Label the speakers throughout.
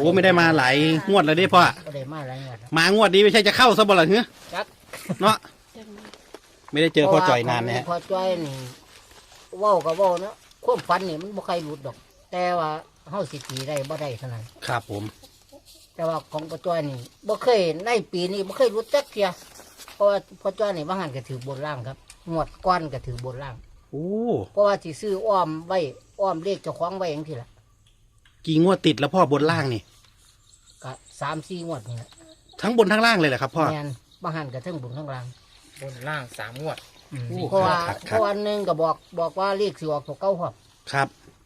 Speaker 1: อ้ไม่ได้มาหลายงวดแล้วดิพ่อ
Speaker 2: ก็ได้มาหลายงวดแล้ว
Speaker 1: มางวดนี้ไม่ใช่จะเข้าซะบ่ล่ะเฮ้ย
Speaker 2: จัก
Speaker 1: เนาะไม่ได้เจอพ่อจ่อยนานนะฮะ
Speaker 2: พ่อจ้อยนี่เว้าก็เว้าเนาะความฝันนี่มันบ่ใครหลุดดอก แต่ว่าเฮาสิตีได้บ่ได้เท่านั้น
Speaker 1: ครับผม
Speaker 2: แต่ว่าของพ่อจ้อยนี่บ่เคยในปีนี้บ่เคยหลุดจักเที่ยเพราะว่าพ่อจ้อยนี่บางหันก็ถือบนล่างครับงวดก้อนก็ถือบนล่าง
Speaker 1: โอ้
Speaker 2: เพราะว่าสิซื้ออ้อมไว้อ้อมเลขเจ้าของไว้จังซี่ล่ะ
Speaker 1: กี่งวดติดแล้วพ่อบนล่างนี่
Speaker 2: ก็3-4งวดนี่แหละ
Speaker 1: ทั้งบนทั้งล่างเลยเหรอครับพ่อ
Speaker 2: แม่นบางหันก็ทั้งบนทั้งล่าง
Speaker 3: บนล่าง3 งวด
Speaker 1: โอ้
Speaker 2: เพราะว่า
Speaker 1: ครับ
Speaker 2: เพราะวันหนึงก็บอกว่าเลขสิออกตัวเก่าครับ
Speaker 1: ครับ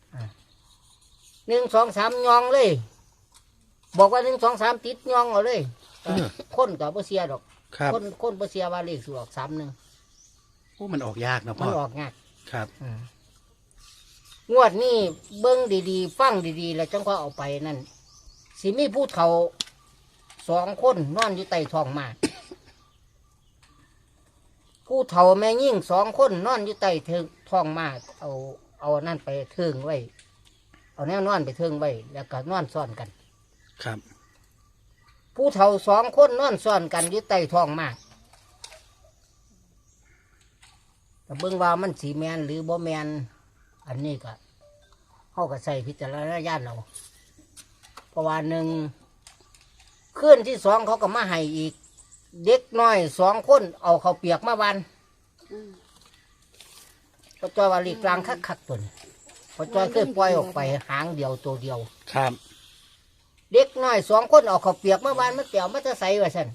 Speaker 2: 1 2 3ยองเลย บอกว่า1 2 3ติดยองเอาเลยคนก็บ่เสียดอก
Speaker 1: ครับ
Speaker 2: คนบ่เสียว่าเลขสิออก31
Speaker 1: โอ้มันออกยากนะ
Speaker 2: มั
Speaker 1: พ่
Speaker 2: น
Speaker 1: อ
Speaker 2: ออกยาก
Speaker 1: ครับ
Speaker 2: งวดนี้เบิ่งดีๆฟังดีๆแล้วจังค่อยเอาไปนั่นสิมีผู้เฒ่า2 คนนอนอยู่ใต้ท้องหมาผู้เฒ่าแม่ยิ่ง2 คนนอนอยู่ใต้ท้องหมาเอานั่นไปเทิงไว้ เอาแนวนอนไปเทิงไว้แล้วก็นอนซ้อนกัน
Speaker 1: ครับ
Speaker 2: ผู้เฒ่า2 คนนอนซ้อนกันอยู่ใต้ท้องหมาแต่เบิ่งว่ามันสีแมนหรือบ่แมนอันนี้ก็เขาก็ใส่พิจารณญาณเราเพราะว่า1คืนที่2เขาก็มาให้อีก เด็กน้อย2 คนเอาเขาวเปียกมาวันพอจอยว่าลีกลางคักๆตัวนี้พอจอยเคยปล่อยออกไปหางเดียวตัวเดียว
Speaker 1: ครับ
Speaker 2: เด็กน้อย2 คนเอาเขาวเปียกมาวันมันเปียกมันจะใส่ไว้ซั่น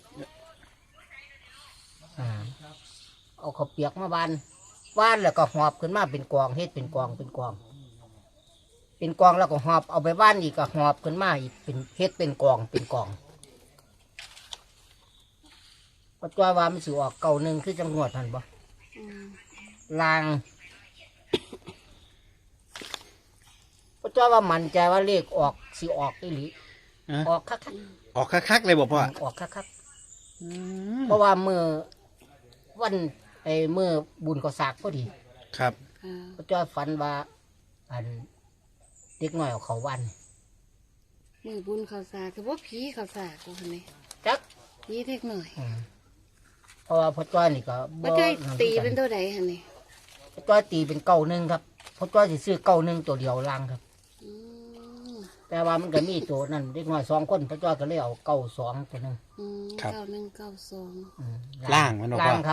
Speaker 2: เอาเขาวเปียกมาวันแล้วก็หอบขึ้นมาเป็นกองเฮ็ดเป็นกองเป็นกองแล้วก็หอบเอาไปบ้านอีกก็หอบขึ้นมาอีกเป็นเฮ็ดเป็นกองเป็นกองก็จอยว่ามันสิออก91คือจังหวัดนั่นบ่ลางก็จอยว่ามั่นใจว่าเลขออกสิออกอีหลีออกคัก
Speaker 1: ออกคักๆเลยบอกพ่อ
Speaker 2: ออกคักเพราะว่ามือวันมือบุญก็สากพอดี
Speaker 1: ครับ
Speaker 2: ก็จอยฝันว่าอันเด็กน้อยเอาเขาวัน
Speaker 4: มือบุญเขาสากคือว่าผีเขาสากกูคนนี้
Speaker 2: จัก
Speaker 4: ผีเล็กหน่อย
Speaker 2: เพราะว่าพ่อจ้อยนี่ก็
Speaker 4: พ่อจ้อยตีเป็นตัวใดฮะนี่
Speaker 2: พ่อจ้อยตีเป็น91ครับพ่อจ้อยสิซื้อ91ตัวเดียวล่างครับ
Speaker 4: อืม
Speaker 2: แต่ว่ามันก็มีตัวนั่นเด็กน้อย2 คนพ่อจ้อยก็เลยเอา92ตัวหนึง
Speaker 4: 9192
Speaker 1: ล่างมันบอก
Speaker 2: ล่าง
Speaker 1: ว่า
Speaker 2: ครับ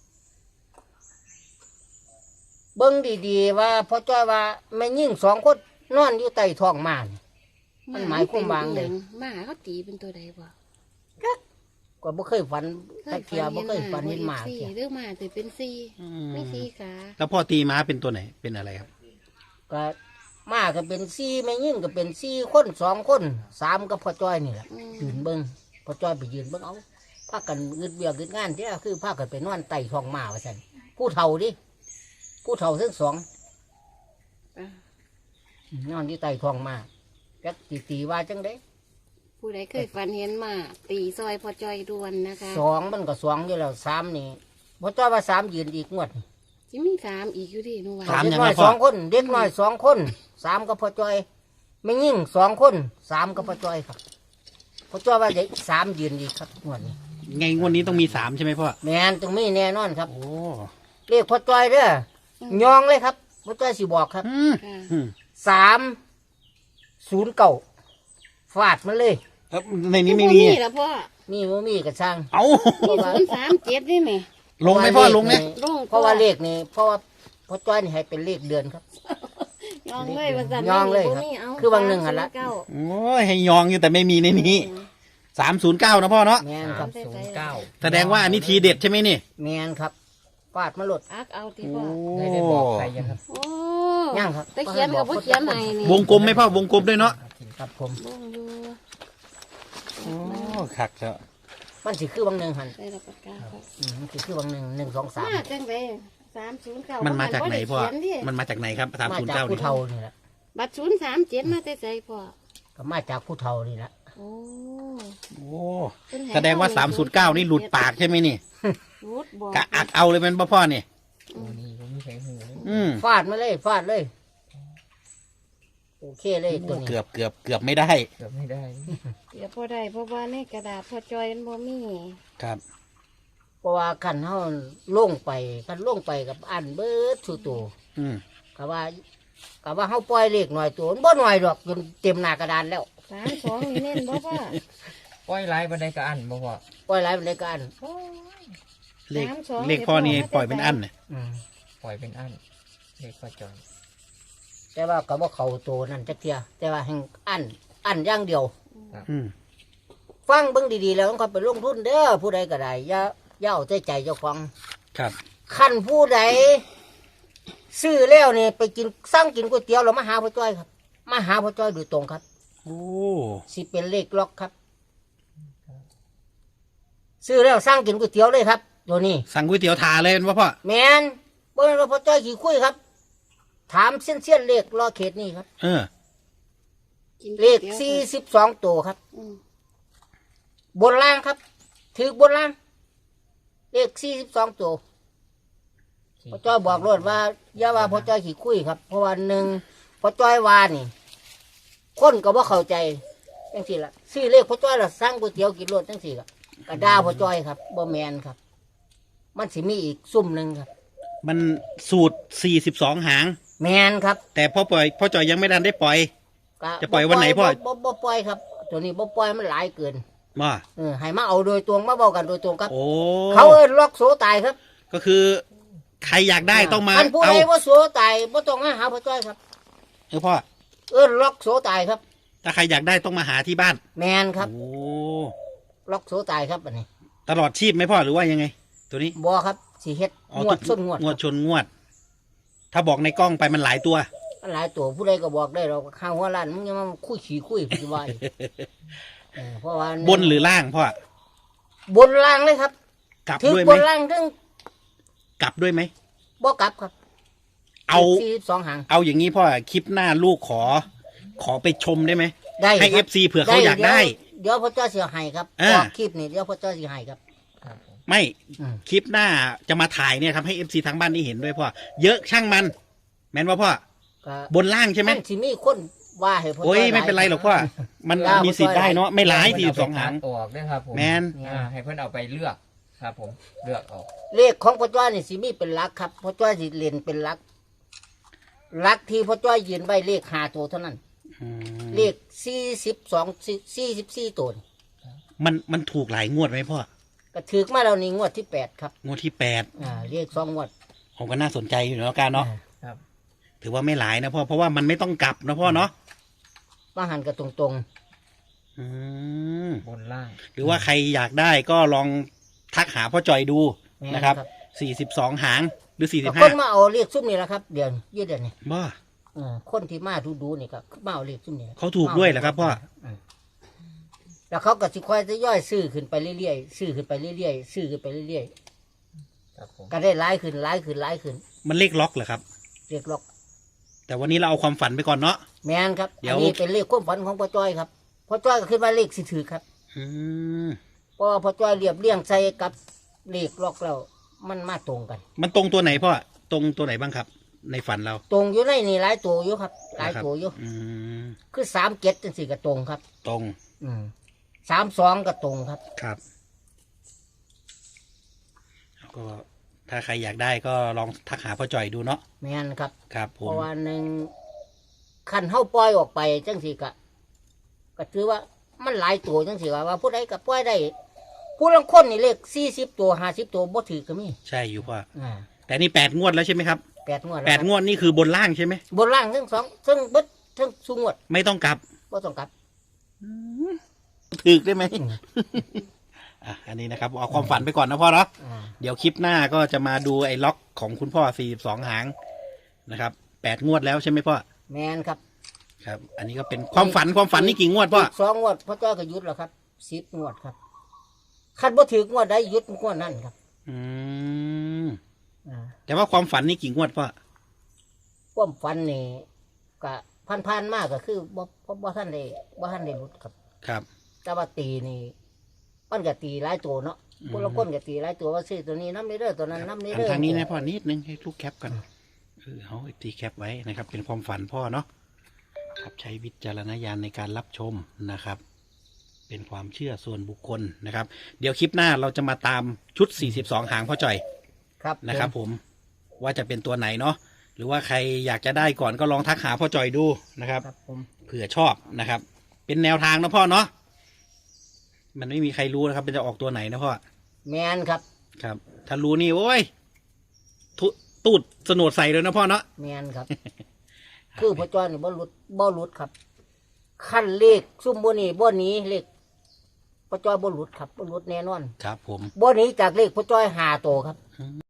Speaker 2: เบิ้งดีๆว่าพ่อจ้อยว่าแม่ยิ่ง2 คนนอนอยู่ใต้ท้องหมานี่ มันหมายความว่าไง
Speaker 4: หมาเขาตีเป็นตัวใดบ่
Speaker 2: ก็บ่เคยฝันตะเกียบบ่เคยฝันเห็นหมา
Speaker 4: สี่
Speaker 2: เกีย
Speaker 4: หรือหมาแต่เป็นสี่
Speaker 1: อื
Speaker 4: ไม่สี่ขา
Speaker 1: แล้วพ่อตีม้าเป็นตัวไหนเป็นอะไรครับ
Speaker 2: ก็หมาก็เป็น4แม่ยิ่งก็เป็น4 คน2 คน3ก็พ่อจ้อยนี่แหละยืนเบิ้งพ่อจ้อยไปยืนเบิ้งเอาพากันงึดเบียกงึดงานเด้อคือพากันไปนอนใต้ท้องหมาว่าซั่นผู้เฒ่าดิผู้เฒ่าทั้งสอง
Speaker 4: อ่ะ
Speaker 2: นอนอยู่ใต้ท้องหมาจักสิตีว่าจังได๋
Speaker 4: ผู้ใดเคยฝันเห็นหมาตีซอยพอจอยดวนนะคะ
Speaker 2: 2มันก็2อยู่แล้ว3นี่พ่อจ้อยว่า3ยืนอีกงวด
Speaker 4: จิมี3อีกอยู่ดิหนูว่า
Speaker 1: สาม
Speaker 2: เด็ก
Speaker 1: ยัง
Speaker 2: น้
Speaker 1: ไง
Speaker 2: อย
Speaker 1: พ่อ
Speaker 2: 2 คนเด็กน้อย2 คน3ก็พ่อจ้อยไม่ยิ่ง2 คน3ก็พ่อจ้อยครับพ่อจ้อยว่าจะ3ยืนอีกครับงวดนี้
Speaker 1: ไงงวดนี้ต้องมี3ใช่ไหมพ่อ
Speaker 2: แม่นตรงนี้แน่นอนครับ
Speaker 1: โอ้
Speaker 2: เรียกพ่อจ้อยเด้อยองเลยครับพ่อจ้อยสิบอกครับ
Speaker 1: อืม
Speaker 4: ค่ะ
Speaker 1: อืม
Speaker 2: 309ฟาดมันเลย
Speaker 1: แล้วในนี้ไม่มี
Speaker 4: บ่แล้วพ่อ
Speaker 2: มีบ่มีกระช่าง
Speaker 1: เอ้า
Speaker 4: มี037นี่ไหม
Speaker 1: ลงไหมพ่อลงไหม
Speaker 4: ลง
Speaker 2: เพราะว่าเลขนี่เพราะว่าพ่อจ้อยนี่ให้เป็นเลขเดือนครับ
Speaker 4: ยองเลยว่าซั่น
Speaker 2: ยองเลยครับ
Speaker 4: มีเอา
Speaker 2: คือบางหนึ่งหั่นละ
Speaker 4: 309
Speaker 1: โอ้ยให้ยองอยู่แต่ไม่มีในนี้309นะพ่อเนาะ
Speaker 2: แม่นครับ
Speaker 1: แสดงว่าอันนี้ทีเด็ดใช่ไหมนี่
Speaker 2: แม่นครับฟาดมาหลด
Speaker 4: อักเอาติ
Speaker 1: โอ้
Speaker 4: พ่อ
Speaker 2: ได้บอกใครยังครับ
Speaker 4: โอ้
Speaker 2: ยังครับ
Speaker 4: แต่เขียนกับบ่เขียนให้นี่
Speaker 1: วงกลมไหมพ่อวงกลมด้วยเนาะ
Speaker 2: ครับผม
Speaker 4: วงอยู่
Speaker 1: โอ้คักเถอะ
Speaker 2: มันสิคือบางหนึ่งหัน
Speaker 4: ได้รับประกาศครับ
Speaker 2: มันสิคือบางหนึ่ง1 2 3
Speaker 4: มาจังได309
Speaker 1: มันมาจากไหนพ่อ
Speaker 4: บ่ด้เขียดิ
Speaker 1: มันมาจากไหนครับ
Speaker 2: มาจาก
Speaker 1: 309
Speaker 2: ผู้
Speaker 1: นี่
Speaker 2: เฒ่านี่แหละ
Speaker 4: บัตร037มาแต่ใจพ่อ
Speaker 2: ก็มาจากผู้เฒ่านี่แหละ
Speaker 4: โอ้
Speaker 1: โอ้แสดงว่า309นี่หลุดปากใช่ไหมนี่
Speaker 4: รูดบอก
Speaker 1: กะอักเอาเลยเป็นพ่อนี่
Speaker 2: นี่ผมไม่ใช่หู
Speaker 1: อืม
Speaker 2: ฟาดมาเลยฟาดเลยโอเคเลยตัวนี้
Speaker 1: เกือบไม่ได้
Speaker 3: เกือบไม่ได้
Speaker 4: เดี๋ยวพอได้เพราะว่าในกระดาษพอจอยมันบ่มี
Speaker 1: ครับ
Speaker 2: เพราะว่าขันเฮาลงไปขันลงไปกับอันเบิดสู่ตัว
Speaker 1: อืม
Speaker 2: ก็ว่าเฮาปล่อยเลขหน่อยตัวมันบ่หน่อยดอกจนเต็มหน้ากระดานแล้ว
Speaker 4: 32นี่เน้นบ่พ่อ
Speaker 3: ปล่อยไล่บันไดกระอันบ่พอ
Speaker 2: ปล่อยหลายมันได้ก็อัน
Speaker 4: โอ้ย
Speaker 1: เลข
Speaker 4: 32
Speaker 1: เลขพ่อนี่ปล่อยเป็นอันเนี่ย
Speaker 2: อืม
Speaker 3: ปล่อยเป็นอันเด็กพ่อจอย
Speaker 2: แต่ว่าก็บ่เข้าตัวนั่นจักเที่ยแต่ว่าแห่งอันอย่างเดียว
Speaker 1: อืม
Speaker 2: ฟังเบิ่งดีๆแล้วต้องไปลงทุนเด้อผู้ใดก็ได้อย่าเอาใจเจ้าของ
Speaker 1: ครับ
Speaker 2: คันผู้ใดซื้อแล้วนี่ไปกินสั่งกินก๋วยเตี๋ยวเรามาหาพ่อจ้อยครับมาหาพ่อจ้อยโดยตรงครับ
Speaker 1: โอ้
Speaker 2: สิเป็นเลขล็อกครับ ซื้อแล้วสั่งกินก๋วยเตี๋ยวเลยครับตัวนี้
Speaker 1: สั่งก๋วยเตี๋ยวทาเลยเป็นว่าพ่อ
Speaker 2: แมนบ่แม่นว่าพ่อจ้อยขี่คุยครับ ถามเส้นเลขรอเขตนี่ครับ
Speaker 1: เออ
Speaker 4: กิน
Speaker 2: เลข
Speaker 4: ดี๋ยว
Speaker 2: 42ตัวครับ
Speaker 4: อืม
Speaker 2: บนล่างครับถือบนล่าง เลข42ตัวพ่อจ้อยบอกรถว่าอย่าว่าพ่อจ้อยขี่คุยครับ เพราะว่าหนึ่งพ่อจ้อยว่านี่ คนก็บ่เข้าใจจังสี่ละซื้อเลขพ่อจ้อยละสั่งก๋วยเตี๋ยวกินรถจังสี่ละกระดาพ่อจ้อยครับบ่แมนครับ มันสิมีอีกซุ่มหนึ่งครับ
Speaker 1: มันสูตร42หาง
Speaker 2: แมนครับ
Speaker 1: แต่พ่อจอยยังไม่ทันได้ปล่อย
Speaker 2: ก็
Speaker 1: จะปล่อยวันไหนพ่อ
Speaker 2: บ่ปล่อยครับ ตัวนี้บ่ปล่อยมันหลายเกิน
Speaker 1: ว่า
Speaker 2: ให้มาเอาโดยตรงมาเว้ากันโดยตรงครับ
Speaker 1: โอ้
Speaker 2: เขาเอิ้นล็อกโสตายครับ
Speaker 1: ก็คือใครอยากได้ต้องมา
Speaker 2: อันผู้
Speaker 1: เอา
Speaker 2: ใดว่าโสตายบ่ต้องมาหาพ่อจ้อยครับ
Speaker 1: พ่อ
Speaker 2: เอิ้นล็อกโสตายครับ
Speaker 1: ถ้าใครอยากได้ต้องมาหาที่บ้าน
Speaker 2: แมนครับ
Speaker 1: โอ้
Speaker 2: ล็อกโสตายครับอันนี้
Speaker 1: ตลอดชีพไหมพ่อหรือว่ายังไง ตัวนี้
Speaker 2: บ่ครับสิเฮ็ด
Speaker 1: อ๋อง
Speaker 2: วดส้นงวด
Speaker 1: งวดชนงวด ถ้าบอกในกล้องไปมันหลายตัว
Speaker 2: มันหลายตัวผู้ใดก็บอกได้เราข้างหัวล้านมึงยังมาคุยขี้คุยสิว่าอีกเพราะว่า
Speaker 1: บนหรือล่างพ่อบ
Speaker 2: นล่างเลยครับ
Speaker 1: กลับ
Speaker 2: ถึง
Speaker 1: ด้วยไห
Speaker 2: บ
Speaker 1: ม
Speaker 2: นล่างถึง
Speaker 1: กลับด้วยไหม
Speaker 2: บ่กลับครับ
Speaker 1: เอา
Speaker 2: 42หาง
Speaker 1: เอาอย่างนี้พ่อคลิปหน้าลูกขอไปชมได้ไหม
Speaker 2: ได้
Speaker 1: ให้
Speaker 2: ครับ
Speaker 1: FC เผื่อเขาอยากได้
Speaker 2: เดี๋ยวพ่อเจ้าสิให้ครับ
Speaker 1: อ่า
Speaker 2: ออกคลิปนี่เดี๋ยวพ่อเจ้าสิให้ครับ
Speaker 3: ครับผม
Speaker 1: ไม่
Speaker 2: อืม
Speaker 1: คลิปหน้าจะมาถ่ายเนี่ยทำให้ FC ทางบ้านนี่เห็นด้วยพ่อเยอะช่างมัน แม่นว่าพ่อ
Speaker 2: ก็
Speaker 1: บนล่างใช่ไหม
Speaker 2: นสิมีคนว่าให้พ่อ
Speaker 1: โอ้ย
Speaker 2: จ้า
Speaker 1: ไม่เป็นไรหรอกพ่อ มัน
Speaker 2: ได้
Speaker 1: มีสิทธิ์ได้เนาะไม่ร้าย
Speaker 3: เพิ่นเอ
Speaker 1: 42หาง
Speaker 3: ไปตัดออกด้วยครับผม
Speaker 1: แมน
Speaker 3: ให้เพื่อนเอาไปเลือกครับผมเลือกออก
Speaker 2: เลขของพ่อจ้านี่สิมีเป็นหลักครับพ่อจ้าสิเล่นเป็นหลักหลักที่พ่อจ้ายืนไว้เลข5ตัวเท่านั้น
Speaker 1: อืม
Speaker 2: เลข44ตัวนี่
Speaker 1: มันถูกหลายงวดไหมพ่อ
Speaker 2: ก็ถือมาแล้วนี่งวดที่8ครับ
Speaker 1: งวดที่8
Speaker 2: เลข2งวด
Speaker 1: ผมก็น่าสนใจอยู่เนาะการเนาะ
Speaker 3: ครับ
Speaker 1: ถือว่าไม่หลายนะพ่อเพราะว่ามันไม่ต้องกลับนะพ่อเนาะ
Speaker 2: มาหันก็ตรง
Speaker 1: อืม
Speaker 3: บนล่าง
Speaker 1: หรือว่าใครอยากได้ก็ลองทักหาพ่อจอยดู
Speaker 2: ๆ
Speaker 1: นะครับ
Speaker 2: แม่
Speaker 1: 42หางหรือ
Speaker 2: ก็คน
Speaker 1: 45
Speaker 2: มาเอาเลขซุ่มนี่แหละครับเดี๋ยวยืดเดี๋ยวนี้
Speaker 1: บ้า
Speaker 2: คนที่มาดูนี่ก็มาเอาเลขซุ่มนี่
Speaker 1: เขาถูกด้วยเหรอครับพ่อ
Speaker 2: แล้วเขาก็สิค่อยจะย่อยซื้อขึ้นไปเรื่อยๆซื้อขึ้นไปเรื่อยๆซื้อขึ้นไปเรื่อย
Speaker 3: ครับผม
Speaker 2: ๆก็ได้หลายขึ้นหลายขึ้นหลายขึ้น
Speaker 1: มันเลขล็อกเหรอครับ
Speaker 2: เรียกล็อก
Speaker 1: แต่วันนี้เราเอาความฝันไปก่อนเนาะ
Speaker 2: แมนครับ
Speaker 1: เดี๋ยว
Speaker 2: อันนี้เป็นเลขความฝันของพ่อจ้อยครับพ่อจ้อยก็ขึ้นมาเลขสิถือครับ
Speaker 1: อืม
Speaker 2: เพราะว่าพ่อจ้อยเรียบเรียงใส่กับเลขล็อกแล้วมันมาตรงกัน
Speaker 1: มันตรงตัวไหนพ่อตรงตัวไหนบ้างครับ ในฝันเรา
Speaker 2: ตรงอยู่ในนี่หลายตัวอยู่ครับหลายตัวอยู่
Speaker 1: อืม
Speaker 2: คือ37จังซี่ก็ตรงครับ
Speaker 1: ตรง
Speaker 2: 32ก็ตรงครับ
Speaker 1: ครับแล้วก็ถ้าใครอยากได้ก็ลองทักหาพ่อจอยดูเนาะ
Speaker 2: แมนครับ
Speaker 1: ครับผ
Speaker 2: เพ
Speaker 1: ม
Speaker 2: ราะว่าหนึ่งคันเฮาปล่อยออกไปจังซี่ก็ถือว่ามันหลายตัวจังซี่ว่าผู้ใดก็ปล่อยได้ผู้ลางคนนี่เลข40ตัว50ตัวบ่ถือก็มี
Speaker 1: ใช่อยู่พ่อ
Speaker 2: อ่า
Speaker 1: แต่นี่8งวดแล้วใช่ไหมครับ
Speaker 2: 8งวด
Speaker 1: 8งวดนี่คือบนล่างใช่ไหม
Speaker 2: บนล่างทั้งสองทั้งเบิดทั้งสูงวด
Speaker 1: ไม่ต้องกลับ
Speaker 2: บ่ต้องกลับ
Speaker 1: ถึกได้ไหม อ่ะอันนี้นะครับเอาความฝันไปก่อนนะพ่อเนาะ
Speaker 2: อ่า
Speaker 1: เดี๋ยวคลิปหน้าก็จะมาดูไอ้ล็อกของคุณพ่อ42หางนะครับ8งวดแล้วใช่ไหมพ่อ
Speaker 2: แมนครับ
Speaker 1: ครับ อันนี้ก็เป็นความฝันนี่กี่งวดพ่อ
Speaker 2: อีก2งวดพ่อจ้อยก็หยุดแล้วครับ10งวดครับคันบ่ถืองวดใดหยุดงวดนั้นครับ
Speaker 1: อืม
Speaker 2: อ่า
Speaker 1: แต่ว่าความฝันนี่กี่งวดพ่อ
Speaker 2: ความฝันนี่ก็ผ่านๆมากก็คือบ่ทันได้หลุดครับ
Speaker 1: ครับ
Speaker 2: แต่ว่าตีนี่มันก็ตีหลายตัวเนาะพวกเราคนก็ตีหลายตัวว่าซื้อตัวนี้น้ำนี้เด้อตัวนั้นน้ำนี้
Speaker 1: หัน
Speaker 2: เด้อ
Speaker 1: ทางนี้นะพ่อนิดนึงให้ลูกแคปกันเอาตีแคปไว้นะครับ เป็นความฝันพ่อเนาะครับใช้วิจารณญาณในการรับชมนะครับ เป็นความเชื่อส่วนบุคคลนะครับ เดี๋ยวคลิปหน้าเราจะมาตามชุด 42 หางพ่อจ่อย
Speaker 2: ครับ
Speaker 1: นะครับผมว่าจะเป็นตัวไหนเนาะหรือว่าใครอยากจะได้ก่อนก็ลองทักหาพ่อจ่อยดูนะครับ
Speaker 2: ครับผม
Speaker 1: เผื่อชอบนะครับ เป็นแนวทางนะพ่อเนาะมันไม่มีใครรู้นะครับมันจะออกตัวไหนนะพ่อ
Speaker 2: แมนครับ
Speaker 1: ครับ ถ้ารู้นี่โอ้ยตูดสนวดใส่เลยนะพ่อเนาะ
Speaker 2: แมนครับ คือพ่อจ้อยนี่บ่หลุดครับขั้นเลขซุ่มบ่นี่บ่หนีเลขพ่อจ้อยบ่หลุดครับบ่หลุดแน่นอน
Speaker 1: ครับผม
Speaker 2: บ่หนีจากเลขพ่อจ้อย5 ตัวครับ